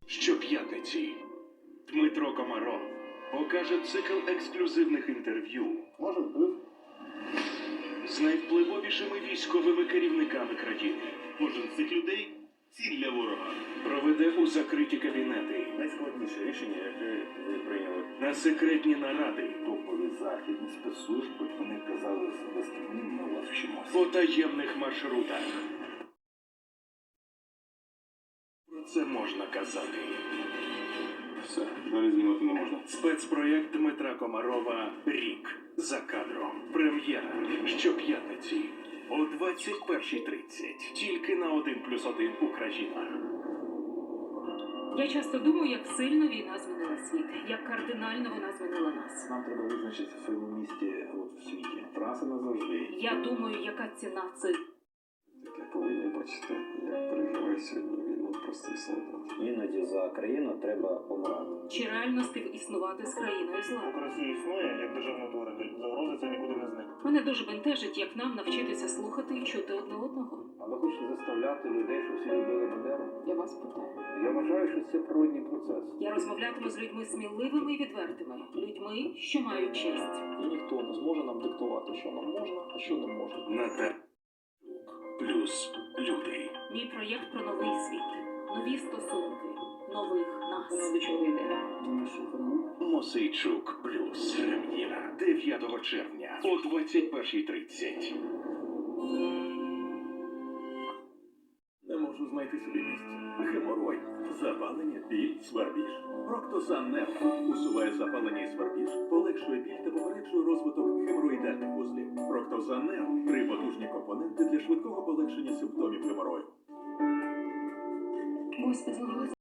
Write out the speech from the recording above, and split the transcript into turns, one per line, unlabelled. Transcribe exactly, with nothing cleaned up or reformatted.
Щоп'ятниці Дмитро Комаров покаже цикл ексклюзивних інтерв'ю
Може, вплив?
з найвпливовішими військовими керівниками країни. Кожен з цих людей – ціль для ворога. Проведе у закриті кабінети,
Найскладніше рішення, яке ви прийняли.
на секретні наради,
Топові західні спецслужби, вони казали, вести ми вас вчимося.
по таємних маршрутах. Про це можна казати.
Все, далі знімати не можна.
Спецпроєкт Дмитра Комарова «Рік за кадром». Прем'єра щоп'ятниці о двадцять першій тридцять. Тільки на один плюс один Україна.
Я часто думаю, як сильно війна змінила світ, як кардинально вона змінила нас.
Нам треба визначитися в своєму місті от, в світі. Траса назавжди.
Я думаю, яка ціна цих.
Таке повинні бачити, як переживає сьогодні війну простий солдат.
Іноді за країну треба помирати.
Чи реально співіснувати з країною зла?
Поки Росія існує, як державний утворитель, загрози це нікуди не зникне.
Мене дуже бентежить, як нам навчитися слухати і чути одне одного.
А ви хочете заставляти людей, щоб всі любили Бандеру?
Я вас питаю.
Я вважаю, що це природній процес.
Я розмовлятиму з людьми сміливими і відвертими, людьми, що мають честь.
І ніхто не зможе нам диктувати, що нам можна, а що не можна.
Наталь плюс люди.
Мій проєкт про новий світ, нові стосунки, нових нас. Воно до чого йде? Тому що кому?
Мосейчук плюс. Прем'єра дев'ятого червня о двадцять першій тридцять.
Не можу знайти собі місця. Геморой, запалення, біль, свербіж. Проктозан Нефро усуває запалення і свербіж, полегшує біль та попереджує розвиток геморроїдальних вузлів. Проктозан Нефро – три потужні компоненти для швидкого полегшення симптомів геморою.
Господи,